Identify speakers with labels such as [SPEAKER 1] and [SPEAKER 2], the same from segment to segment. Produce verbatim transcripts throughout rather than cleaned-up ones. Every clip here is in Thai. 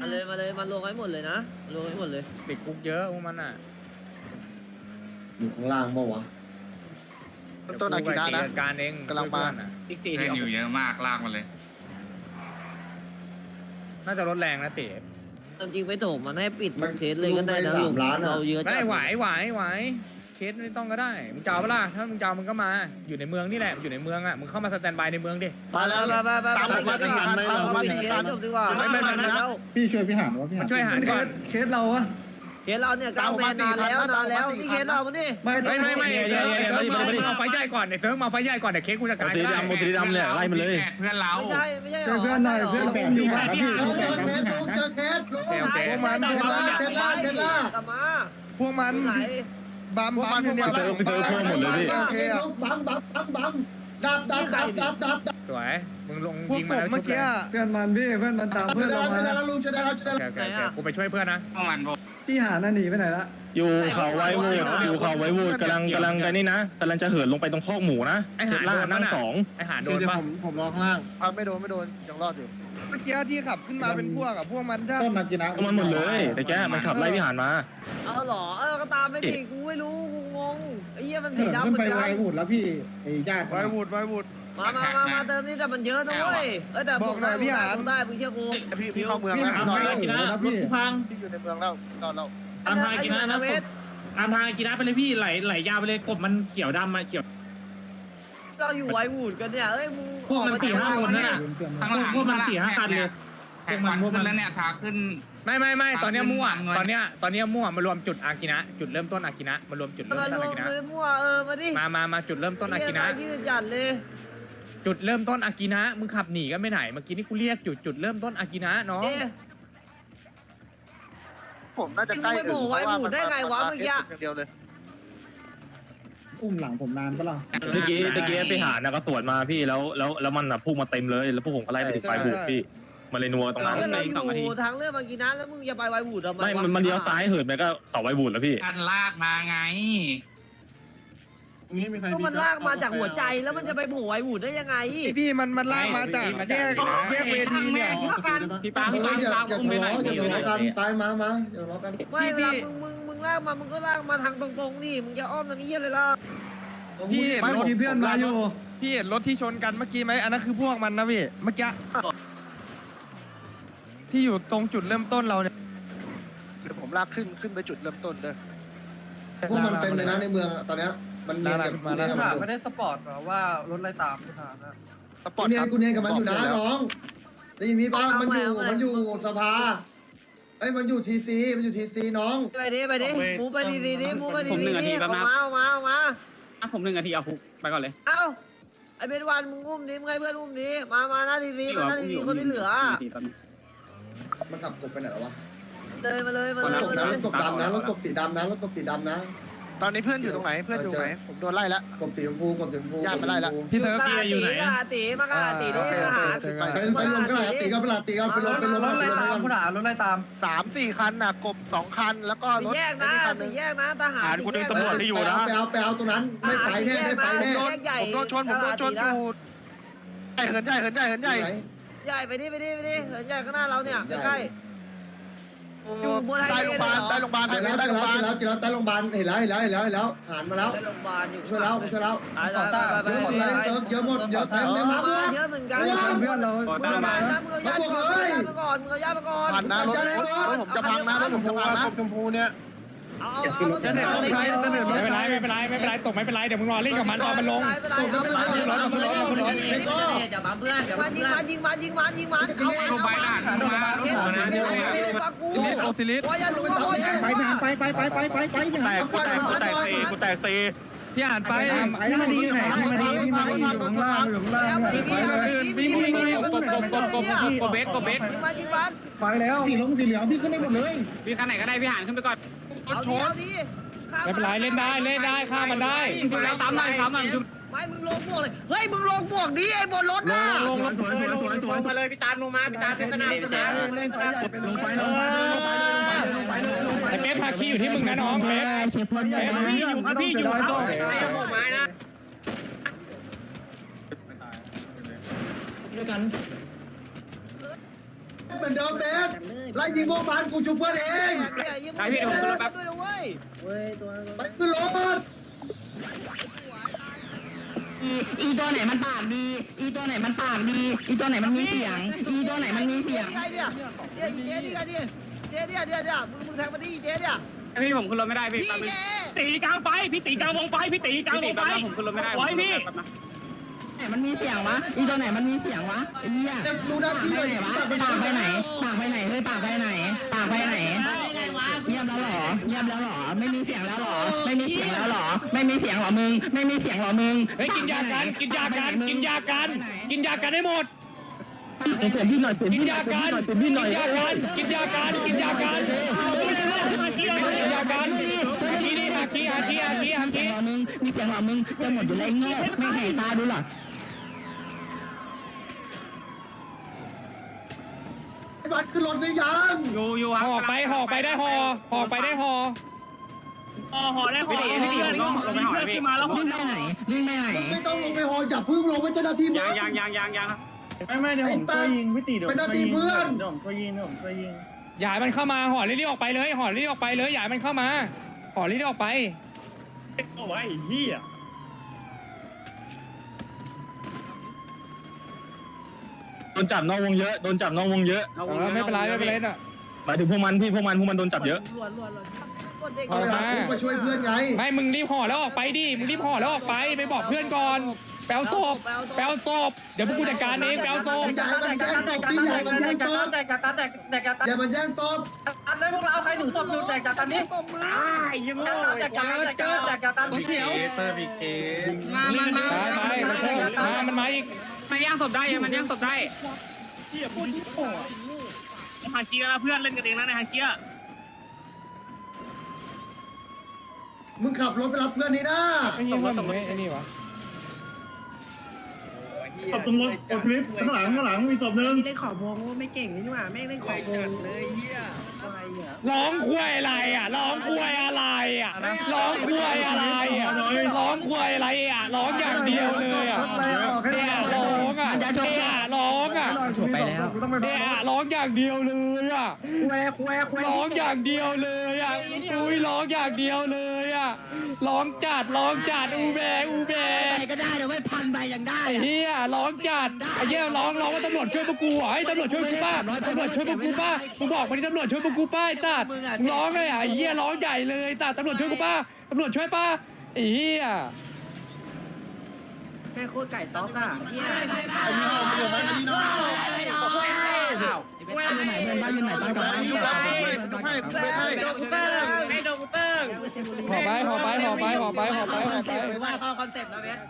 [SPEAKER 1] มาเลยมาเลยมาลงให้หมดเลยนะลงให้หมดเลย
[SPEAKER 2] ติดคุกเยอะพวกมันอ่ะ
[SPEAKER 3] อยู่ข้างล่างเมื่อวะ
[SPEAKER 4] ต้นอากิระนะ
[SPEAKER 2] การเอง
[SPEAKER 4] กำลังมา
[SPEAKER 5] อีกสี่ที่อยู่เยอะมากลากมาเลย
[SPEAKER 2] น่าจะลดแรงนะเต๋
[SPEAKER 1] จริงไปโถมมันให้ปิดเคสเลยก็ได้นะลุงเราเยอะ
[SPEAKER 2] ได้ไหวไหวไหวเคสไม่ต้องก็ได้มึงจะเอาเปล่าถ้ามึงจะเอามึงก็มาอยู่ในเมืองนี่แหละอยู่ในเมืองอ่ะมึงเข้ามาสแตนบายในเมืองดิ
[SPEAKER 1] มาแล้วมามามา
[SPEAKER 4] ตามผมมาสี่คันตามผมมาสี่คัน
[SPEAKER 1] จบดีกว่า
[SPEAKER 2] ไม่ไม่ไม่ไม่
[SPEAKER 6] พี่ช่วยพี่หานวะพี่หา
[SPEAKER 2] มัน นช่วยหารก่อน
[SPEAKER 6] เคสเราอะ
[SPEAKER 1] เคสเราเนี่ยกลางแมนนานแล้วนานแล้วนี่เคสเราเนี่ย
[SPEAKER 6] ไม่
[SPEAKER 2] ไม่ไม่ไม่
[SPEAKER 7] เดี๋ยวเดี๋ยวเดี๋ยว
[SPEAKER 2] เซิร์ฟ
[SPEAKER 7] เดี๋ยว
[SPEAKER 2] มาเอาไฟใหญ่ก่อนเดี๋ยวเซิร์ฟมาเอาไฟใหญ่ก่อนเดี๋ยวเค้กกูจะกลาย
[SPEAKER 7] สีดำสีดำเนี่ยไล่มันเลย
[SPEAKER 5] เพื่อนเรา
[SPEAKER 1] ไม่ใช่ไม่ใช่
[SPEAKER 6] ช่วยเพื่อนหน่อยเพื่อนผมอยู่บ้านพี่
[SPEAKER 3] เจอเคสลุงเจอเคสลุง
[SPEAKER 2] โอเค
[SPEAKER 3] พวกมันเคสล่าเคสล่าเคสล่าก
[SPEAKER 1] ลับมา
[SPEAKER 6] พวกมัน
[SPEAKER 1] ไหน
[SPEAKER 6] บัมบัมเนี่ย
[SPEAKER 7] เจอเจอเพิ่มหมดเลยพี่
[SPEAKER 3] โอเคบัมบัมบัมบัมดับดับดับดับดับดับ
[SPEAKER 2] สวยมึงลง
[SPEAKER 6] พวก
[SPEAKER 2] ยิง
[SPEAKER 6] ผ
[SPEAKER 2] มาม แล้ว
[SPEAKER 6] เมื่อกี้เพื่อนมันพี่เพื่อนมันตาม
[SPEAKER 3] ช
[SPEAKER 6] เพื่อน
[SPEAKER 3] นะ
[SPEAKER 6] เรา
[SPEAKER 3] ช
[SPEAKER 6] มา
[SPEAKER 3] นะแล้วลุงชนะแล้วชนะ
[SPEAKER 2] โอเคโอเคกูไปช่วยเพื่อนนะ
[SPEAKER 5] พวกมันพวก
[SPEAKER 6] พี่หาน่ะหนีไปไหนละ
[SPEAKER 7] อยู่เขาไว้วูดอยู่เขาไว้วูดกำลังกำลังกันนี่นะกำลังจะเหินลงไปตรงคอกหมูนะ
[SPEAKER 2] ไอหา
[SPEAKER 7] ล่านั่งสอง
[SPEAKER 2] ไอหาโดนป่ะ
[SPEAKER 3] ผมรอข้างล่าง
[SPEAKER 4] อ่ะไม่โดนไม่โดนยังรอดอยู่
[SPEAKER 6] เมื่อกี้ที่ขับขึ้นมาเป็นพวกอะพวกมันใช่
[SPEAKER 3] ต้นนักกินนะ
[SPEAKER 7] มันหมดเลยแต่แกมันขับไล่พี่หานมา
[SPEAKER 1] เอาหรอเออก็ตามไม่ดีกูไม่รู้กูงงไอ้เหี้ยมันสี
[SPEAKER 3] เหิน
[SPEAKER 1] ดำ
[SPEAKER 3] ขึ้น
[SPEAKER 1] เหมื
[SPEAKER 3] ไป
[SPEAKER 1] อน
[SPEAKER 3] ไว
[SPEAKER 1] กัน
[SPEAKER 3] วูดแล้วพี่ไอ้ญาติ
[SPEAKER 6] ไววูดไววูด
[SPEAKER 1] มามามามาเติมนี่แต่มันเยอะนะเว้ยเออแต่
[SPEAKER 6] บอกหน่อยพี่หาน
[SPEAKER 1] ได้มึงเชื่อกู
[SPEAKER 4] พี่พี่เข้าเมือง
[SPEAKER 3] พี่
[SPEAKER 4] แล้ว
[SPEAKER 3] หา
[SPEAKER 4] หน่อย
[SPEAKER 3] ไม่ถูกนะพี่
[SPEAKER 8] พัง
[SPEAKER 4] พี่อยู่ในเมืองแล้วรอดแล้ว
[SPEAKER 8] ตามทางกินนะนะ
[SPEAKER 1] เวท
[SPEAKER 8] ตามทางกินนะไปเลยพี่ไหลไหลยาวไปเลยกบมันเขียวดำมาเขียว
[SPEAKER 1] เราอยู่ไววูดกันเนี่ยเอ้ยมึง
[SPEAKER 8] พวกมันสี่ห้าคนนั่นน่ะ
[SPEAKER 5] ข้างหลัง
[SPEAKER 8] พวกมันสี่ห้าคันเลย
[SPEAKER 5] แท็กวันขึ้นแล้วเนี่ยทางขึ้น
[SPEAKER 2] ไม่ไม่ไม่ตอนเนี้ยมั่ว
[SPEAKER 5] ตามเงิน
[SPEAKER 2] ตอนเนี้ยตอนเนี้ยมั่วมารวมจุดอากินะจุดเริ่มต้นอากินะมารวมจุดเริ่ม
[SPEAKER 1] มา
[SPEAKER 2] ต้น
[SPEAKER 1] รว
[SPEAKER 2] อาม กินะ
[SPEAKER 1] เลยมั่วเออมาดิ
[SPEAKER 2] มามามาจุดเริ่มต้นอากินะ
[SPEAKER 1] ยืดหยันเลย
[SPEAKER 2] จุดเริ่มต้นอากินะมึงขับหนีกันไปไหนเมื่อกี้นี่กูเรียกจุดจุดเริ่มต้นอากินะน้อง
[SPEAKER 1] เอ๊ะ
[SPEAKER 4] ผมน่าจะใกล้
[SPEAKER 1] มึงไปโผล่ไว้หมู่ได้ไงวะเมื่อกี้
[SPEAKER 4] อย่างเดียวเลย
[SPEAKER 3] อุ้มหลังผมนานปะล่ะ
[SPEAKER 7] เมื่อกี้เมื่อกี้ไปหานนะก็สวนมาพี่แล้วแล้วแล้วมันอ่ะพุ่งมาเต็มเลยแล้วพวกผมก็ไล่ไปถึงปลายบูดพี่มาเลยนัวตรงนั้น
[SPEAKER 1] เราอยู่ทางเรื่องบางกีนะแล้วมึงจะไปไววูดทำไม
[SPEAKER 7] ไม่มันมันเลี้ยวซ้ายเหินไปก็เสาไว้บูดแล้วพี่
[SPEAKER 5] กันลากมาไง
[SPEAKER 3] นี่มีใคร
[SPEAKER 1] ก็มันลากมาจากหัวใจแล้วมันจะไปโผล่ไววูดได้ยังไง
[SPEAKER 6] พี่มันมันลากมาจากแยกแยกเวทีเนี่ย
[SPEAKER 3] พี่ปังพี่ปังอย่าอย่าทะเลาะอย่าทะเลาะกันไปมามาอย่าทะเลาะกัน
[SPEAKER 1] ไม่เวลามึงมึงมึงลากมามึงก็ลากมาทางตรงๆนี่มึงจะอ้อมทำเหี้ยอะไรล่ะ
[SPEAKER 6] พี่เห็นรถที่เพื่อนมาอยู่พี่เห็นรถที่ชนกันเมื่อกี้ไหมอันนั้นคือพวกมันนะพี่เมื่อกี้ที่อยู่ตรงจุดเริ่มต้นเราเนี่ย
[SPEAKER 4] เดี๋ยวผมลากขึ้นขึ้นไปจุดเริ่มต้นเลย
[SPEAKER 3] พวกมันเต็มเลยนะในเมืองตอนเนี้ยมันเนียนกับกูเนียนกับมัน
[SPEAKER 8] ไม่ได้สปอร์ตหรอว่ารถไล่ตามพี่ถามนะ
[SPEAKER 4] สปอร์ต
[SPEAKER 3] กูเนีย
[SPEAKER 4] คน รับ
[SPEAKER 3] กูเนียนกับมันอยู่นะน้องได้ยินพี่ป้ามันอยู่มันอยู่สภาเอ้ยมันอยู่ทีซีมันอยู่ทีซีน้อง
[SPEAKER 1] ไปดิไปดิมูไปดีดีดิมูไปดีดีดิเอามาเอามาเอามา
[SPEAKER 8] ผมหนึ่งนาทีเอาคุกไปก่อนเลย
[SPEAKER 1] เอ้าไอเบนวันมึงอุ้มดิมึงให้เพื่อนอุ้มดิมามาหน้าทีดีมาหน้าทีดีคนที่เหลือ
[SPEAKER 3] มันขับกบไปไหนแล้ววะ
[SPEAKER 1] เลยมาเลยมาร
[SPEAKER 3] ถ
[SPEAKER 1] เลย
[SPEAKER 3] กบ
[SPEAKER 1] มา
[SPEAKER 3] นะ
[SPEAKER 1] เล
[SPEAKER 3] ร
[SPEAKER 1] ย
[SPEAKER 3] ถกบดำนะรถกบสีดำนะรถกบสีดำนะ
[SPEAKER 4] ตอนนี้เพื่อนอยู่ตรงไหนเพื่อนอยู่ตรงไหนผมโดนไล่แล้ว
[SPEAKER 3] กบสีชมพูกบสีชมพู
[SPEAKER 4] ญาติมาไล่ละ
[SPEAKER 6] พี่เซิร์ฟ
[SPEAKER 1] ตีอยู่ไหนอะตีมากะตีดิหา
[SPEAKER 3] ไปไปลงก็หาตีก็ไปลาตีก็ไปลงไปลง
[SPEAKER 8] รถ
[SPEAKER 3] ไป
[SPEAKER 8] ไล่
[SPEAKER 3] ลง
[SPEAKER 8] ตามคุณหารถไล่ตาม
[SPEAKER 4] สามสี่คันน่ะกบสองคันแล้วก็รถ
[SPEAKER 1] แยกนะ
[SPEAKER 4] คันหนึ
[SPEAKER 1] ตี
[SPEAKER 4] ง
[SPEAKER 1] แยกนะทหาร
[SPEAKER 3] ไปเอาไปเอาตรงนั้นไม่ไฟแน่ไม่ไฟแน่
[SPEAKER 4] โดนผมโดนชนผมโดนชนอยู่ใหญ่เหินใหญ่เหินใหญ่เหินใหญ่
[SPEAKER 1] ใหญ่ไปดิไปดิไปดิเหินใหญ่ข้างหน้าเราเนี่ยใกล้ อยู่บนไฮ
[SPEAKER 4] ใต้
[SPEAKER 1] เว
[SPEAKER 4] โรง
[SPEAKER 1] ย์
[SPEAKER 4] พยาบาล
[SPEAKER 1] เหรอ
[SPEAKER 4] ใต้โรงพยาบาล
[SPEAKER 3] เจอแล้ว
[SPEAKER 4] ใต้
[SPEAKER 3] เจอ
[SPEAKER 4] โรงพยาบาล
[SPEAKER 3] แล้วเจอแล้วใต้โรงพยาบาลเห็นแล้วเห็นแล้วเห็นแล้วเห็นแล้วหันมาแล้ว
[SPEAKER 1] ไปโรงพยาบาลอยู่
[SPEAKER 3] ช่วยแล้วช่วยแล้ว
[SPEAKER 1] ไปไปไปไป
[SPEAKER 3] เยอะหมดเลยเยอะหมดเยอะเต็มเต็มมา
[SPEAKER 1] เยอะเหมือนกัน
[SPEAKER 6] เพื่อนเรา
[SPEAKER 1] มึงเอาญาตินะมึงเอาญาติก่อนมึงเอาญาติมาก่อนมึงเอาญาติมาก่อน
[SPEAKER 4] ผ่านนะรถรถรถผมจะพังนะรถผมจะพังนะ
[SPEAKER 3] ชมพูเนี่ย
[SPEAKER 1] เอาเอาเอารถ
[SPEAKER 6] จะเด็ดรถใครจะเด็ดร
[SPEAKER 2] ไม่
[SPEAKER 6] ถ
[SPEAKER 2] เป็น
[SPEAKER 6] ใค
[SPEAKER 2] ไร
[SPEAKER 6] ร
[SPEAKER 2] ไม่เป็นไรไม่เป็นไรตกไม่เป็นไรเดี๋ยวมึงรอเล่นกับมันตอนมันลง
[SPEAKER 1] ไม่เป็นไรไม่เป็นไรเอา
[SPEAKER 3] รถรถรถรถ
[SPEAKER 1] อย่าบังเพื่อนอย่าบังเพื่อนยิงมันยิงมันยิงมันยิงมันเอา
[SPEAKER 5] ลงไป
[SPEAKER 1] เอา
[SPEAKER 5] นะลงมาลงมานะ
[SPEAKER 1] ฟังกู
[SPEAKER 6] ซิลิสโอซิลิส
[SPEAKER 1] ว่าอย่าดูว่าอย่า
[SPEAKER 3] ไปไปไปไปไปไปไป
[SPEAKER 7] กูแตกกูแตกกูแตกซีกูแตกซี
[SPEAKER 6] พี่อ่านไป
[SPEAKER 3] พี่มาดีอยู่ไหนพี่มาดีพี่มาดีอยู่ข้างล่างอยู่ข้างล่าง
[SPEAKER 1] ยิงมันยิงมัน
[SPEAKER 3] ไฟแล้วสีลงสีเหลืองพี่ขึ้นได้หมดเลย
[SPEAKER 8] พี่คันไหนก็ได้พี่หานขึ้นไปก่อน
[SPEAKER 1] เอาดิเอาดิ
[SPEAKER 2] ไม่เป็นไรเล่นได้เล่นได้ฆ่ามันได้
[SPEAKER 8] จุดไล่ตามหน่อยครับมันจุด
[SPEAKER 1] ไม่มึงลงบวกเลยเฮ้ยมึงลงบวกดิไอ้บนรถน่ะ
[SPEAKER 3] ลงลงสวยสวยสวยสวย
[SPEAKER 8] มาเลยพี่ตามลงมาพี่ตามเป็นสนามพี่ตาม
[SPEAKER 3] เล่นไฟใหญ่เป็นลงไฟลงไฟลงไฟลงไฟลงไฟ
[SPEAKER 2] ไอ้เป๊ปพาคีอยู่ที่มึงนะน้องเป๊ป
[SPEAKER 3] เชฟพลใหญ่พี่อยู่พี่อยู่
[SPEAKER 8] ไอ้ผมมานะ
[SPEAKER 3] ด้วยกันเหมือนเดิมเบสไล่ยิงพวกมันกูชุบเพื่อนเอง
[SPEAKER 1] ไอพี่ดูขึ้นรถแป๊บด้วยนะเว้ยเว้ยตัว
[SPEAKER 3] ไปขึ้นรถ
[SPEAKER 9] อีอีตัวไหนมันปากดี อีตัวไหนมันปากดี อีตัวไหนมันมีเสียง อีตัวไหนมันมีเสียง
[SPEAKER 1] ไงเนี่ยเจ๊เจ๊นี่ไงดิเจ๊เนี่ยเนี่ยเนี่ยมึงมึงแทงมาดิเจ๊เนี่ย
[SPEAKER 5] พี่ผมขึ้นรถไม่ได้พี่
[SPEAKER 1] พี่เจ๊
[SPEAKER 8] ตีกลางไฟพี่ตีกลางวงไฟพี่ตีกลางวงไฟ
[SPEAKER 5] ผมขึ้นรถไม่ได้
[SPEAKER 8] ไว้พี่
[SPEAKER 9] ไหนมันมีเสียงวะ อีตัวไหนมันมีเสียงวะไอ้เหี้ย
[SPEAKER 3] รู้หน้า
[SPEAKER 9] ปาก
[SPEAKER 3] ที่
[SPEAKER 9] ไป
[SPEAKER 3] เลย
[SPEAKER 9] ไหนวะ ปากไปไหน ปากไปไหนเฮ้ยปากไปไหน ปากไปไหน เยี่ยมแล้วหรอ เยี่ยมแล้วหรอ ไม่มีเสียงแล้วหรอ ไม่มีเสียงแล้วหรอ ไม่มีเสียงหรอมึง ไม่มีเสียงหรอมึง
[SPEAKER 2] เฮ้ยกินยากันกินยากันกินยากันกินยากันให้หมด
[SPEAKER 7] เปลี่ยนพี่หน่อยเปลี่ยน
[SPEAKER 2] กิน
[SPEAKER 7] พี่หน่
[SPEAKER 2] ยา
[SPEAKER 7] อยเปลี่ยน
[SPEAKER 2] กัน
[SPEAKER 7] พี่หน่อยเปลี่ยนพี่หน่อย
[SPEAKER 2] กินยากันกินยากันกินยากันกินยากันทีนี่ฮาคีฮาคีฮาคีฮา
[SPEAKER 9] มีเสี
[SPEAKER 2] คี
[SPEAKER 9] ยงหรอมึง มีเสียงหรอมึง จะหมดอยู่แล้วไอ้โง่ไม่เห็นตาดูหรอ
[SPEAKER 3] ไอ้บัตรขึ้นรถได้ยัง
[SPEAKER 5] อยู่อยู่
[SPEAKER 2] ห่อไปห่อไปได้ห่อห่อไปได้ห่อ
[SPEAKER 8] อ๋อห่อได้ห่อพี่ตีลงลงไปห่อพี่มาแล้ว
[SPEAKER 9] วิ่งไปไหนวิ่งไปไหน
[SPEAKER 3] ไม่ต้องลงไปหอจับพึ่งลงไปเจ้าหน้าที่มึง
[SPEAKER 5] ยางยางยางยาง
[SPEAKER 6] ไม่ไม่เดี๋ยวผมช่วยยิงพี่ตีเดี๋ยว
[SPEAKER 3] เป็นหน้าที่เพื่อน
[SPEAKER 6] เดี๋ยวผมช่วยยิงเดี๋ยวผมช่วยยิง
[SPEAKER 2] อย่าให้มันเข้ามาห่อรีบๆออกไปเลยห่อรีบๆออกไปเลยอย่าให้มันเข้ามาห่อรีบๆออกไป
[SPEAKER 6] โอ้ยเหี้ย
[SPEAKER 7] โดนจับนอกวงเยอะโดนจับนอกวงเยอะ
[SPEAKER 2] เออไม่เป็นไรไม่เป็นไรน่ะ
[SPEAKER 7] หมายถึงพวกมันพี่พวกมันพวกมันโดนจับเยอะ
[SPEAKER 1] ล้วนล้วนล้วนกดเด็ก
[SPEAKER 3] เอาเวลากูมาช่วยเพื่อนไง
[SPEAKER 2] ไม่มึงรีบห่อแล้วออกไปดิมึงรีบห่อแล้วออกไปไปบอกเพื่อนก่อนแปลวศพแปลวศพเดี๋ยวพวกกูจัดการเองแปลวศพ
[SPEAKER 3] อย่าให้มันแย่งศพดิอย่าให้มันแย่งศพ
[SPEAKER 8] แดกกาตันแดกแดกกาตัน
[SPEAKER 3] อย่ามันแย่งศพ
[SPEAKER 8] อันเลยพวกเราใครหนูศพอยู่แดกกาตันนี่
[SPEAKER 1] ตบมือ
[SPEAKER 8] ยังโง่แดกกาตันแดกกาตันแดกกาตันเขียว
[SPEAKER 5] เตอร์มีเคส
[SPEAKER 8] มามามา
[SPEAKER 2] ไปไปมันมามันมาอีก
[SPEAKER 5] มันย่างศพได้มันย่างศพได้
[SPEAKER 8] ฮาเกียเพื่อนเล่นกันเองนะในฮาเกีย
[SPEAKER 3] มึงขับรถไปรับเพื่อนนี่นะ
[SPEAKER 2] ไม่ยิงว่ามึงไม่ไอ้นี่วะ
[SPEAKER 6] ตบตรงรถโอทริปข้างหลังข้างหลังมีศพหนึ่ง
[SPEAKER 9] เล่นขอบวงไม่เก่งนี่หว่าแม่งเล่นขอบวง
[SPEAKER 2] ร้องควยอะไรอ่ะร้องควยอะไรอ่ะร้องควยอะไรอ่ะร้องควยอะไรอ่ะร้องอย่างเดียวเลยอ่ะเนี่ยร้องอ่ะเนี่ยร้องอ่ะ
[SPEAKER 9] ไปแล้ว
[SPEAKER 2] เนี่ยร้องอย่างเดียวเลยอ่ะ
[SPEAKER 9] แควแควแคว
[SPEAKER 2] ร้องอย่างเดียวเลยอ่ะอุ้ยร้องอย่างเดียวเลยอ่ะร้องจัดร้องจัดอูแบอูแบ
[SPEAKER 9] ไปก็ได้เดี๋ยวไม่พันใบยังได้
[SPEAKER 2] ไอ้เหี้ยร้องจัดไอ้เหี้ยร้องร้องว่าตำรวจช่วยพวกกูเหรอไอ้ตำรวจช่วยกูป้าตำรวจช่วยพวกกูป้ามึงบอกมาดิตำรวจช่วยพวกกูป้าไอ้สัตว์มึงร้องเลยอ่ะไอ้เหี้ยร้องใหญ่เลยสัตว์ตำรวจช่วยกูป้าตำรวจช่วยป้าไอ้เหี้ย
[SPEAKER 9] แม่โคตรไก่ต๊อกอ่ะเฮีย
[SPEAKER 8] อยู่ไหนเพื่อนบ้านอยู่ไหนตอนกลับบ้าน
[SPEAKER 4] ไม่ไม่ไม่
[SPEAKER 8] โดนเติ้งไอ้โดนเติ้ง
[SPEAKER 2] ห่อไปห่อไปห่อไปห่อไปห่อไปห่อไป
[SPEAKER 1] ว่าเข้าคอนเซ็ปต์นะเบส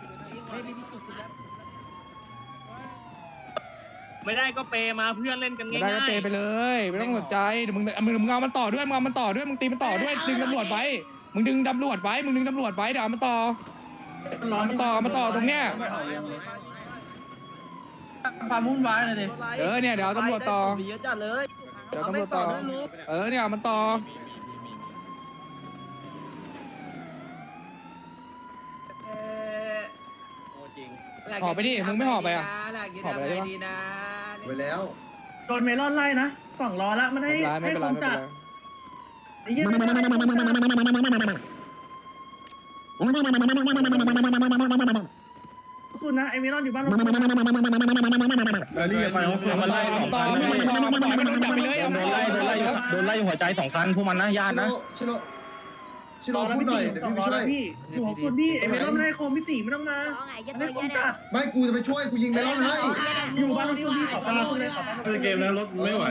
[SPEAKER 8] ไม่ได้ก็เปมาเพื่อนเล่นกัน
[SPEAKER 2] ไม่
[SPEAKER 8] ง่าย
[SPEAKER 2] ได้ก็เปย์ไปเลยไม่ต้องสนใจเดี๋ยวมึงมึงมึงเอามันต่อด้วยมึงเอามันต่อด้วยมึงตีมันต่อด้วยดึงตำรวจไว้มึงดึงตำรวจไว้มึงดึงตำรวจไว้เดี๋ยวเอามันต่อเอามันต่อมาต่อตรงเนี้ย
[SPEAKER 8] ความวุ่นวายเลยดิ
[SPEAKER 2] เออเนี่ยเดี๋ยวเอาตำรวจต่อ
[SPEAKER 1] เยอะจัดเลย
[SPEAKER 2] เดี๋ยวตำรวจต่อเออเนี่ยเอามันต่อ ห่อไปดิมึงไม่ห่อไปอ่ะห่อไปเลยใช่ปะ
[SPEAKER 3] ไปแล้ว
[SPEAKER 6] โดนเมลอนไล่นะสองล้อละมัน
[SPEAKER 2] ไม่
[SPEAKER 6] ให้
[SPEAKER 2] เป็นไรไม่
[SPEAKER 6] ให้
[SPEAKER 2] เป็นไรไม่เป็น
[SPEAKER 6] คนจัด
[SPEAKER 2] ไร
[SPEAKER 6] ไอ้เหี้ยสุดนะไอ้เมลอนอยู่บ้านเรา
[SPEAKER 7] รีบไปเอามันไล่สองคันนะพี่โดนไล่โดนไล่โดนไล่หัวใจสองคันพวกมันนะญาตินะ
[SPEAKER 3] ชิโร่ชิโร่พูดหน่อยเดี๋ยวพี่ไปช่วย
[SPEAKER 6] พี่อยู่ของสุดพี่ไอ้เมลอนไม่ให้โคมพี่ตีไม่ต้องมาให้คนจัด
[SPEAKER 3] ไม่กูจะไปช่วยกูยิงเมลอนให้
[SPEAKER 6] อยู่บ้านเราสุดพี่ขอบคุณเลยขอบคุณเลย
[SPEAKER 7] เกมแล้วรถไม่ไหว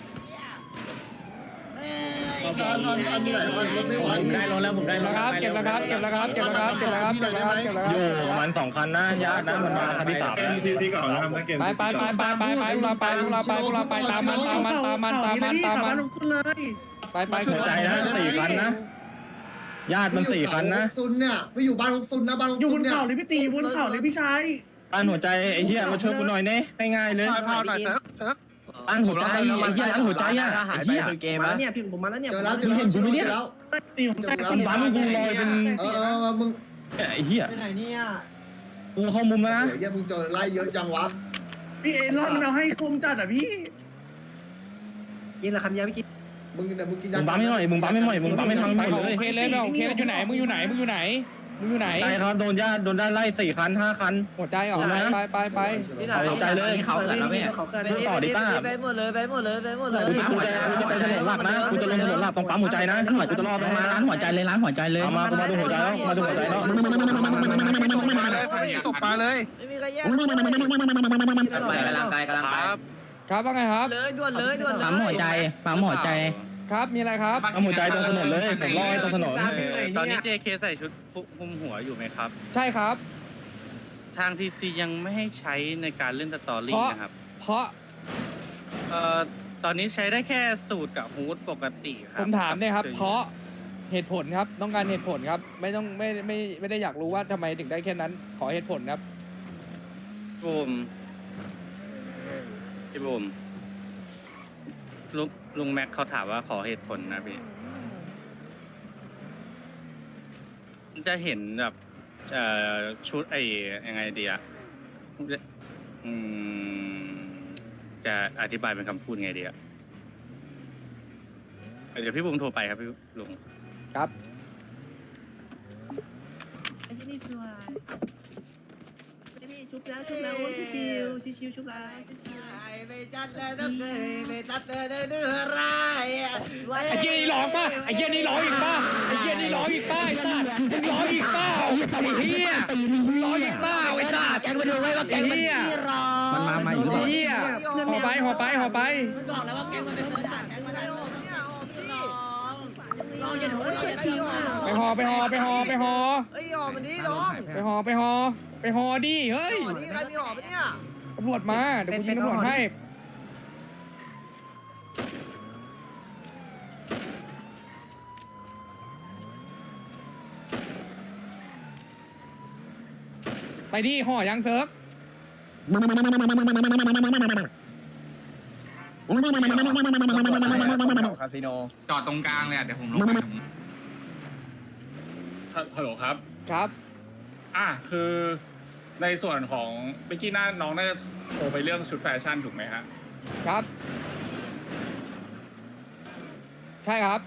[SPEAKER 8] ได้รถแล้วผมได้รถ
[SPEAKER 2] ครับเก็บแล้วครับเก็บแล้วครับเก็บแล้วครับเก็บแล้วครับเก็บแล้วครับเก็บแล้วครับ
[SPEAKER 7] อยู่ประมาณสองคันนะญาตินะมันมาคันที่สามทีซีก่อนนะครับนะเกม
[SPEAKER 2] ไปไปไปไปไปไปพวกเราไปพวกเราไปพวกเราไปตามมันตามมันตามมันตามมันตามมัน
[SPEAKER 6] ลงสุดเลย
[SPEAKER 2] ไปไป
[SPEAKER 7] หัวใจนะสี่คันนะญาติมันสี่คันนะ
[SPEAKER 3] ซุนเนี่ยไปอยู่บ้านของซุนนะบ้านของ
[SPEAKER 6] อยู่บ
[SPEAKER 3] ซุน
[SPEAKER 6] น
[SPEAKER 3] เนี่ย
[SPEAKER 6] เขาเลยพี่ตีบนเขาเลยพี่ชาย
[SPEAKER 7] ต้านหัวใจไอ้เหี้ยมาช่วยกูหน่อยเน่ง่ายๆเลย
[SPEAKER 4] พาวหน่อยเซิร์ฟเซิร์ฟ
[SPEAKER 7] ต้านหัวใจไอ้เหี้ยต้านหัวใจอ่ะไอ้เหี้ย
[SPEAKER 9] มาแล้วเนี่ยพี่ผมมาแล้วเนี่ย
[SPEAKER 3] เจอแล้วเจอแล้วเจอแล้ว
[SPEAKER 6] ตีผมแตก
[SPEAKER 7] มันบังกูลอยเป็น
[SPEAKER 3] เออเออมึง
[SPEAKER 7] ไอ้เหี้ย
[SPEAKER 9] ไปไหนเนี่ย
[SPEAKER 7] กูเข้ามุมแล้วนะ
[SPEAKER 3] เดี๋ยวมึงเจอไล่เยอะจังวะ
[SPEAKER 6] พี่เอลอนมันเอาให้คมจัดอ่ะพี่
[SPEAKER 1] กินละคำเดียวไม่กิน
[SPEAKER 3] มึงเนี่ยมึงกินยา
[SPEAKER 7] มึงบัมไม่หน่อยมึงบัมไม่หน่อยมึงบัมไม่ทัน
[SPEAKER 2] ไป
[SPEAKER 7] หม
[SPEAKER 2] ข
[SPEAKER 7] ด
[SPEAKER 2] อ
[SPEAKER 7] เล
[SPEAKER 2] โอย เคเลยไปโอเคเลยอยู่ไหนมึงอยู่ไหนมึงอยู่ไหนมึงอยู่ไหน
[SPEAKER 7] ใช่ครับโดนญาติโดนญาติไล่สี่คันห้าคัน
[SPEAKER 2] หัวใจออกไปไปไป
[SPEAKER 7] เอาใจเลย
[SPEAKER 9] เขาเกิดแล้วเนี่ย
[SPEAKER 1] ไปหมดเลยไปหมดเลยไปหมดเลย
[SPEAKER 7] กูจะกูจะไปถนนหลักนะกูจะลงถนนหลักตรงปั๊มหัวใจนะกูจะรอ
[SPEAKER 9] ล
[SPEAKER 7] ตรง ง
[SPEAKER 9] มา
[SPEAKER 7] มา
[SPEAKER 9] ร้านหัวใจเลยร้านหัวใจเลย
[SPEAKER 7] เอามากูมาดูหัวใจแล้วมาดูหัวใจแล้ว
[SPEAKER 4] มาเลยศพมาเลย
[SPEAKER 1] ไม่มีใครแย่ง
[SPEAKER 5] ไปกำลังไปกำลังไป
[SPEAKER 2] ครับว่าไงครับ
[SPEAKER 1] เลยด่วนเลยด่วนเลย
[SPEAKER 9] ปั๊มหัวใจปั๊มหัวใจ
[SPEAKER 2] ครับมีอะไรครับ
[SPEAKER 7] ปั๊มหัวใจตรงถนนเลยผมรอตรงถนน
[SPEAKER 6] ตอนนี้ เจ เค ใส่ชุดคุมหัวอยู่ไหมครับ
[SPEAKER 2] ใช่ครับ
[SPEAKER 6] ทางทีซียังไม่ให้ใช้ในการเล่นสตอรี่นะครับ
[SPEAKER 2] เพราะ
[SPEAKER 6] เอ่อตอนนี้ใช้ได้แค่สูตรกับฮูดปกติครั
[SPEAKER 2] ผมถามเนี่ยครับ เพราะเหตุผลครับต้องการเหตุผลครับ ไม่ต้องไม่ไม่ไม่ได้อยากรู้ว่าทำไมถึงได้แค่นั้น ขอเหตุผลครับ
[SPEAKER 6] บูมพี่บูมลุงลุงแม็กเขาถามว่าขอเหตุผลนะพี่จะเห็นแบบเอ่อชุดไอ้ยังไงดีอะอืมจะอธิบายเป็นคำพูดไงดีอะเดี๋ยวพี่บูมโทรไปครับพี่ลุง
[SPEAKER 2] ครับ
[SPEAKER 1] ไอ้ที่นี่สวยไอ้นี่ชุบแล้วชุบแล้วชิวชิวชิวชุบแล้วไม่จัดเลยต้องเคยไม่จัดเลยเดือดร้าย
[SPEAKER 2] ไอ้เหี้ยนี่ร้องป่ะไอ้เหี้ยนี่ร้องอีกป่ะไอ้เหี้ยนี่ร้องอีกป่ะไอ้สัตว์มึงร้องอีกเปล่าไอ้เหี้ยมึงร้องอีกเปล่าไอ้สัตว์
[SPEAKER 1] แกงมาดูไว้ว่าแก
[SPEAKER 2] ไอ้
[SPEAKER 1] งมัน
[SPEAKER 2] เหี้ย
[SPEAKER 1] ที่รอ
[SPEAKER 9] มันมามาอีก
[SPEAKER 2] ไอ้เหี้ยห่อไปห่อไปห่อไป
[SPEAKER 1] มันบอกแล้วว่าแกงมันเป็นเสือด่าแกงมันได้ลองอย่าหนูเราอย่าทิ้ง
[SPEAKER 2] ไปห่อไปห่อไปห่อไปห่อ
[SPEAKER 1] เฮ้ยห่อมันดีน้อง
[SPEAKER 2] ไปห่อไปห่อไปห่อดิเฮ้ย
[SPEAKER 1] ห่อนี่ใครมีห่อปะเนี่ย
[SPEAKER 2] ตำรวจมาเดี๋ยวกูยิงตำรวจให้ไปดิห่อยังเซิร์ก
[SPEAKER 6] คาสิโน
[SPEAKER 5] จอดตรงกลางเลยเดี๋ยวผมลงไป
[SPEAKER 7] ฮัลโหลครับ
[SPEAKER 2] ครับ
[SPEAKER 7] อ่ะคือในส่วนของเมื่อกี้น้าน้องน่าจะโทรไปเรื่องชุดแฟชั่นถูกไหมฮะ
[SPEAKER 2] ครับ ใช่ครับ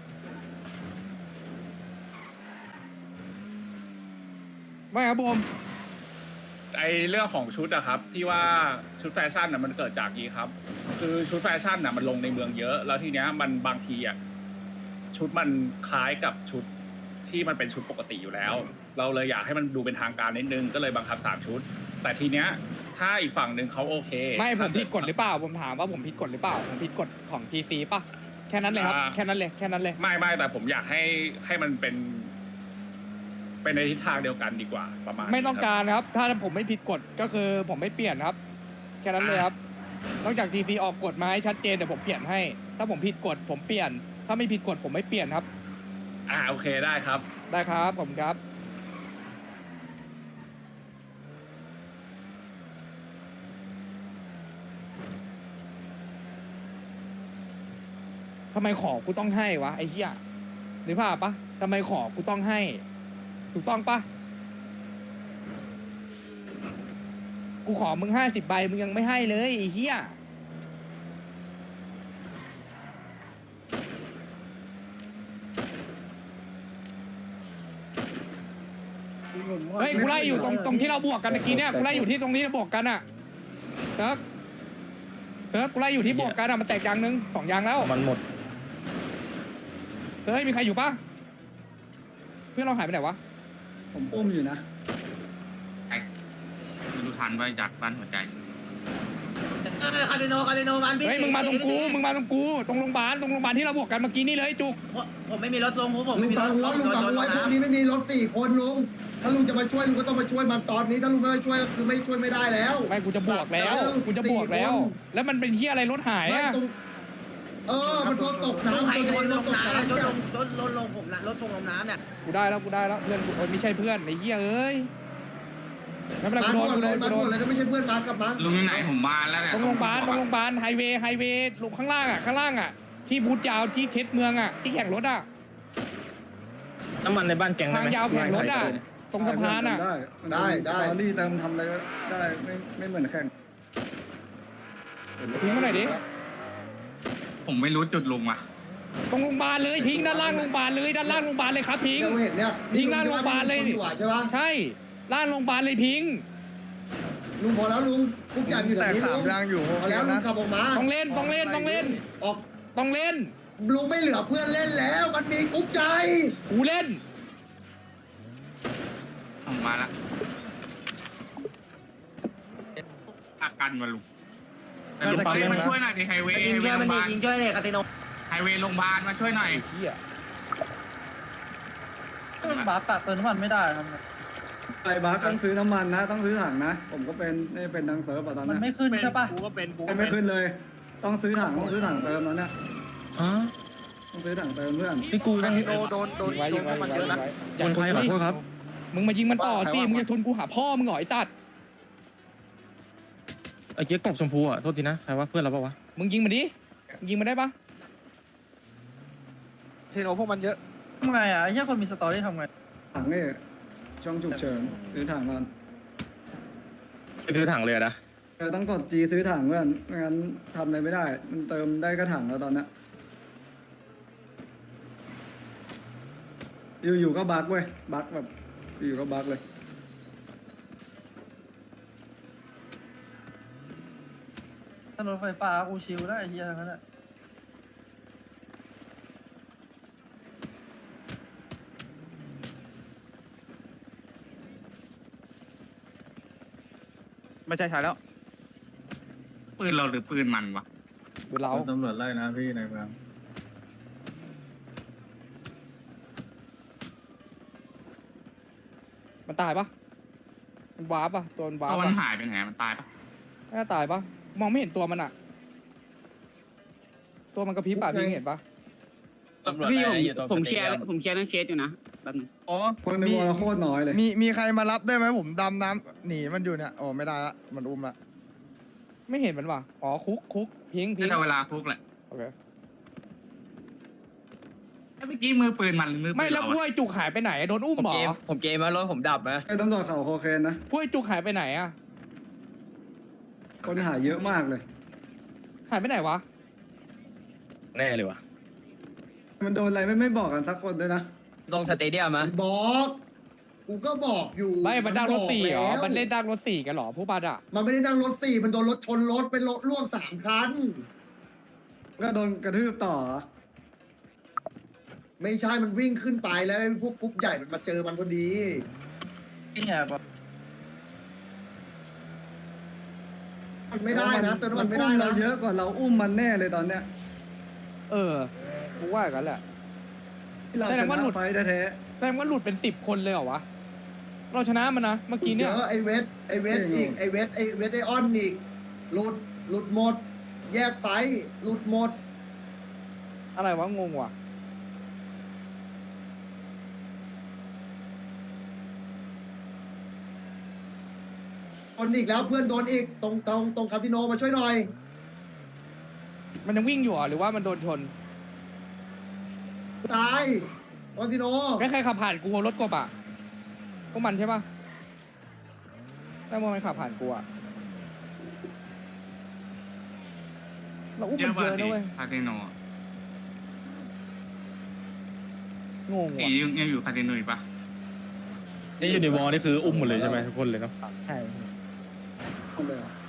[SPEAKER 2] ไม่ครับผม
[SPEAKER 7] ไอเรื่องของชุดอะครับที่ว่าชุดแฟชั่นอะมันเกิดจากนี้ครับ คือชุดแฟชั่นอะมันลงในเมืองเยอะ แล้วทีเนี้ยมันบางทีอะชุดมันคล้ายกับชุดที่มันเป็นชุดปกติอยู่แล้ว เราเลยอยากให้มันดูเป็นทางการนิดนึงก็เลยบังคับสามชุด แต่ทีเนี้ยถ้าอีกฝั่งหนึ่งเขาโอเค
[SPEAKER 2] ไม่ผมผิดกฎหรือเปล่าผมถามว่าผมผิดกฎหรือเปล่าผมผิดกฎของทีซีป่ะแค่นั้นเลยครับแค่นั้นเลยแค่นั้นเลย
[SPEAKER 7] ไม่ไม่แต่ผมอยากให้ให้มันเป็น เป็นในทิศทางเดียวกันดีกว่าประมาณนี้
[SPEAKER 2] ไม่ต้อง
[SPEAKER 7] ครับ
[SPEAKER 2] การครับ ถ้าผมไม่ผิดกฎก็คือผมไม่เปลี่ยนครับ แค่นั้นเลยครับ นอกจากทีซีออกกฎมาให้ชัดเจนเดี๋ยวผมเปลี่ยนให้ ถ้าผมผิดกฎผมเปลี่ยน ถ้าไม่ผิดกฎผมไม่เปลี่ยนครับ
[SPEAKER 7] อ่าโอเคได้ครับ
[SPEAKER 2] ได้ครับผมครับทำไมขอกูต้องให้วะไอ้เหี้ยหรือเปล่าปะทำไมขอกูต้องให้ ถูกต้องปะกูขอมึงห้าสิบใบมึงยังไม่ให้เลยไอ้เหี้ยเฮ้ยกูไล่อยู่ตรงตรงที่เราบวกกันเมื่อกี้เนี่ยกูไล่อยู่ที่ตรงนี้เราบวกกันอะเซิร์ฟเซิร์ฟกูไล่อยู่ที่บวกกันอะมันแตกยางนึงสองยางแล้ว
[SPEAKER 7] มันหมด
[SPEAKER 2] เซิร์ฟมีใครอยู่ปะเพื่อนเราหายไปไหนวะ
[SPEAKER 6] ผมอุ้มอยู่นะ
[SPEAKER 5] ไม่รู้ทันว่ายัดบ้านหัวใจ
[SPEAKER 1] เออคาสิโนคาสิโนมันพี่
[SPEAKER 2] เฮ้ยมึงมาตรงกูมึงมาตรงกูตรงโรงพยาบาลตรงโรงพยาบาลที่เราบวกกันเมื่อกี้นี่เลยจุก
[SPEAKER 1] ผมไม่มีรถลงผมผม
[SPEAKER 3] ลุ
[SPEAKER 1] ไม่
[SPEAKER 3] ง
[SPEAKER 1] มีร
[SPEAKER 3] ฟั
[SPEAKER 1] ถ
[SPEAKER 3] งหัวลุงฟังหัวพวกนี้ไม่มีรถสี่คนลุงถ้าลุงจะมาช่วยลุงก็ต้องมาช่วยมันตอนนี้ถ้าลุงไม่มาช่วยก็คือไม่ช่วยไม่ได้แล้ว
[SPEAKER 2] ไม่กูจะบวกแล้วกูจะบวกแล้ว แล้วมันเป็นที่อะไรรถหาย
[SPEAKER 3] ไม่
[SPEAKER 2] อะ
[SPEAKER 3] ตรงเออมันรถตก
[SPEAKER 1] น้ำ
[SPEAKER 3] น้ำ
[SPEAKER 1] ใคร
[SPEAKER 3] จน
[SPEAKER 1] โดนล
[SPEAKER 3] รถ
[SPEAKER 1] ง
[SPEAKER 3] ตก
[SPEAKER 1] น้ำรถ
[SPEAKER 3] น้ำ
[SPEAKER 1] ลงรถรถลงผมนะรถลงลงน้ำเนี่ย
[SPEAKER 2] กูได้แล้วกูได้แล้วเพื่อนกูโอ้ยไม่ใช่เพื่อนไอ้เหี้ยเอ้ยไม่เป็นไร
[SPEAKER 3] มา
[SPEAKER 2] กูโดน
[SPEAKER 3] ก่อน
[SPEAKER 2] กู
[SPEAKER 3] เล
[SPEAKER 2] โด
[SPEAKER 3] ย
[SPEAKER 2] น
[SPEAKER 3] มา
[SPEAKER 2] กูโด
[SPEAKER 3] ก่อน
[SPEAKER 2] น
[SPEAKER 3] เลยถ้าไม่ใช่เพื่อนมากลับมา
[SPEAKER 5] ลุงอยู่ไหนผมมาแล้วเนี่ย
[SPEAKER 2] ตรงโรงพยาบาลตรงโรงพยาบาลไฮเวย์ไฮเวย์ลงข้างล่างอ่ะข้างล่างอ่ะที่บูธยาวที่เทสเมืองอ่ะที่แข่งรถอ่ะ
[SPEAKER 7] น้ำมันในบ้านแกงได้
[SPEAKER 2] ทาง
[SPEAKER 7] ไหม
[SPEAKER 2] ยาวแข่งรถอ่ะตรงสะพานอ่ะ
[SPEAKER 3] ได้ได้
[SPEAKER 6] ตอนนี้เติมทำอะไรก็ได้ไม่ไม่เหมือนแข่ง
[SPEAKER 2] ทิ้งมาหน่อยดิ
[SPEAKER 7] ผ
[SPEAKER 5] ผมไม่รู้จุดลุงอ่ะ
[SPEAKER 2] ตรงโรงพยาบาลเลยทิ้งด้านล่างโรงพยาบาลเลยด้านล่างโรงพยาบาลเลยครับทิ้ง
[SPEAKER 3] เราเห็นเนี่ย
[SPEAKER 2] ทิ้งหน้าโรงพยาบาลเลย
[SPEAKER 3] ลุงใช่ปะ
[SPEAKER 2] ใช่ล่างโรงพยาบาลเลยทิ้ง
[SPEAKER 3] ลุงพอแล้วลุงกุ๊กใหญ่อยู่แถ
[SPEAKER 4] แต่
[SPEAKER 3] วนี้
[SPEAKER 4] สา
[SPEAKER 3] ลุ
[SPEAKER 4] ม
[SPEAKER 3] ง
[SPEAKER 4] ยางอยู่
[SPEAKER 3] พอแล้วลุงขับออกมา
[SPEAKER 2] ต้องเล่นต้องเล่นต้องเล่น
[SPEAKER 3] ออก
[SPEAKER 2] ต้องเล่น
[SPEAKER 3] ลุงไม่เหลือเพื่อนเล่นแล้ว มันมีกุ๊กใจ
[SPEAKER 2] กูเล่น
[SPEAKER 5] ผมมาละอาการมาลุงแต่ลุงเฮ้ยมาช่วยหน่อยดิไฮเวย์
[SPEAKER 1] ยิง
[SPEAKER 5] ไฮเว
[SPEAKER 1] ช่วย
[SPEAKER 5] ย์โร
[SPEAKER 1] มัน
[SPEAKER 5] งพ
[SPEAKER 1] ดิ
[SPEAKER 5] ยาบาล
[SPEAKER 1] ยิงช่วยเลยคาติโน
[SPEAKER 5] ไฮเวย์โรงพยาบาลมาช่วยหน่อย
[SPEAKER 8] บาสตัดเติมน้ำมันไม่ได้ครับ
[SPEAKER 10] ไอ้บัคต้องซื้อน้ำมันนะ ต้องซื้อถังนะ ผมก็เป็นนี่เป็นดังเซิร์ฟอะตอน
[SPEAKER 8] มัน
[SPEAKER 10] นั้น
[SPEAKER 8] ไม่ขึ้นใช่ป่ะกูก็เป็นกูก็
[SPEAKER 10] ไม่
[SPEAKER 8] เป็น
[SPEAKER 10] ขึ้นเลย ต้องซื้อถังต้องซื้อถังเติมตอนเนี้ยต้องซื้อถังเติมเพื่อน
[SPEAKER 2] พี่กู
[SPEAKER 4] คา
[SPEAKER 2] ต้อง
[SPEAKER 4] ติโนโดนโดนโดนน้ำมันเยอะนะ
[SPEAKER 2] อย่าชนใครขอโทษครับ มึงมายิงมันต่อสิ มึงจะชนกูหาพ่อมึงเหรอไอ้สัตว์
[SPEAKER 8] ไอ้เกียร์กบชมพูอ่ะโทษทีนะใครว่าเพื่อนเราปะวะ
[SPEAKER 2] มึงยิงมันดิมึงยิงมันได้ปะ
[SPEAKER 4] เทโนพวกมันเยอะ
[SPEAKER 8] ทำไงอ่ะไอ้เหี้ยคนมีสตอรี่ทำไง
[SPEAKER 10] ถังนี่ช่องฉุกเฉินซื้อถังก่อน
[SPEAKER 6] ไปซื้อถังเลยนะ
[SPEAKER 10] เออต้องกด G ซื้อถังเพื่อนไม่งั้นทำอะไรไม่ได้ มันเติมได้ก็ถังแล้วตอนเนี้ยอยู่ๆก็บั๊กเว้ยบั๊กแบบอยู่ๆก็บั๊กเลย
[SPEAKER 8] ถนนไฟฟ้ากูชิลได้ไอ้เหี้ยทั้งนั้นแหละ
[SPEAKER 4] ไม่ใช่ใช่แล้ว
[SPEAKER 5] ปืนเราหรือปืนมันวะ
[SPEAKER 2] ดูเรา
[SPEAKER 10] ตำรวจไล่นะพี่ในเมือง
[SPEAKER 2] มันตายปะมันวาร์ปปะตัวมันวาร์
[SPEAKER 5] ตั
[SPEAKER 2] ป
[SPEAKER 5] วมัน
[SPEAKER 2] ปะ
[SPEAKER 5] หายไปไหนมันตายปะ
[SPEAKER 2] น่าตายปะมองไม่เห็นตัวมันอะตัวมันกระพริบปะพี่เห็นปะ
[SPEAKER 9] พี่ผมผมเคลียร์ผมเคลียร์เรื่องเคสอยู่นะแป๊บนึง
[SPEAKER 4] อ๋อ
[SPEAKER 10] คนใน
[SPEAKER 4] มี
[SPEAKER 10] วอลโคตรน้อยเลย
[SPEAKER 4] มีมีใครมารับได้ไหมผมดำน้ำหนีมันอยู่เนี่ยโอ้ไม่ได้ละมันอุ้มละ
[SPEAKER 2] ไม่เห็นมันวะอ๋อคุกคุกพิงพิ
[SPEAKER 5] นี่
[SPEAKER 2] ง
[SPEAKER 5] เราเวลาคุกแหละ
[SPEAKER 2] โอเค
[SPEAKER 5] เมื่อกี้มือปืนมันหรือมือปืน
[SPEAKER 2] ไม่แล้ว
[SPEAKER 5] เรา
[SPEAKER 2] พวก
[SPEAKER 5] อะ
[SPEAKER 2] ไอ้จุกหายไปไหนอะโดนอุ้มเหรอ
[SPEAKER 9] ผมเกมมารถผมดับนะ
[SPEAKER 10] ไอ้ตำรวจเขาโคเคนนะ
[SPEAKER 2] พวกไอ้จุกหายไปไหนอะ
[SPEAKER 10] คนหายเยอะมากเลย
[SPEAKER 2] หายไปไหนวะ
[SPEAKER 6] แน่เลยวะ
[SPEAKER 10] มันโดนอะไรไม่ไม่บอกกันสักคนด้วยนะ
[SPEAKER 9] ตรงสเตเดียมมะ
[SPEAKER 3] บอกกูก็บอกอยู่
[SPEAKER 2] ไม่มันดังรถสี่เหรอ
[SPEAKER 3] บอกแล้ว
[SPEAKER 2] มันเล่นดังรถสี่กันเหรอพวกบัดอะ
[SPEAKER 3] มันไม่ได้นั่งรถสี่มันโดนรถชนรถเป็นรถล่วงสามคัน
[SPEAKER 10] ก็โดนกระทืบต่อ
[SPEAKER 3] ไม่ใช่มันวิ่งขึ้นไปแล้วไอ้พวกกรุ๊ปใหญ่มันมาเจอมันพอดี
[SPEAKER 8] ไอ้เหี้ยแบบ
[SPEAKER 3] มันไม่ได้นะเติมน้ำมันไม่ได้
[SPEAKER 10] อุ้
[SPEAKER 3] นะ
[SPEAKER 10] เราเยอะกว่าเราอุ้มมันแน่เลยตอนเนี้ย
[SPEAKER 2] เออกูว่าอย่างนั้นแหละ
[SPEAKER 10] ที่เรา
[SPEAKER 2] แส
[SPEAKER 10] ช
[SPEAKER 2] ดงว่าหลุ
[SPEAKER 10] นะ
[SPEAKER 2] ด
[SPEAKER 10] ไฟแท้
[SPEAKER 2] แสดงว่าหลุดเป็นสิบคนเลยเหรอวะ เราชนะมันนะเมื่อกี้
[SPEAKER 3] เดี๋
[SPEAKER 2] เนี่ย
[SPEAKER 3] ยวไอ้เวทไอ้เวทอีกไอ้เวทไอ้เวทไอ้ออนอีกหลุดหลุดหมด แยกไฟหลุดหมด
[SPEAKER 2] อะไรวะงงว่ะ
[SPEAKER 3] คนอีกแล้วเพื่อนโดนอีกตรงตรงตรงคาสิโนมาช่วยหน่อย
[SPEAKER 2] มันยังวิ่งอยู่เหรอหรือว่ามันโดนชน
[SPEAKER 3] ตายคาสิโน
[SPEAKER 2] ใครใครขับผ่านกูรถกบอ่ะพวกมันใช่ปะแต่ว่ามันขับผ่านกูอ่ะเราอุ้ม
[SPEAKER 5] เย
[SPEAKER 2] มั
[SPEAKER 5] อะ
[SPEAKER 2] นเย
[SPEAKER 5] กว่า
[SPEAKER 2] อะนะ
[SPEAKER 5] ดิ
[SPEAKER 2] เว้ย
[SPEAKER 5] คาสิโน
[SPEAKER 2] งง
[SPEAKER 5] ตี
[SPEAKER 2] ว่ะ
[SPEAKER 5] ยังยังอยู่คาสิโนอีกปะ
[SPEAKER 6] นี่อยู่ในวอลนี่คืออุ้มหมดเลยใช่ไหมทุกคนเลยเนาะ
[SPEAKER 2] ใช่
[SPEAKER 10] ๆเอาเลยเหรอ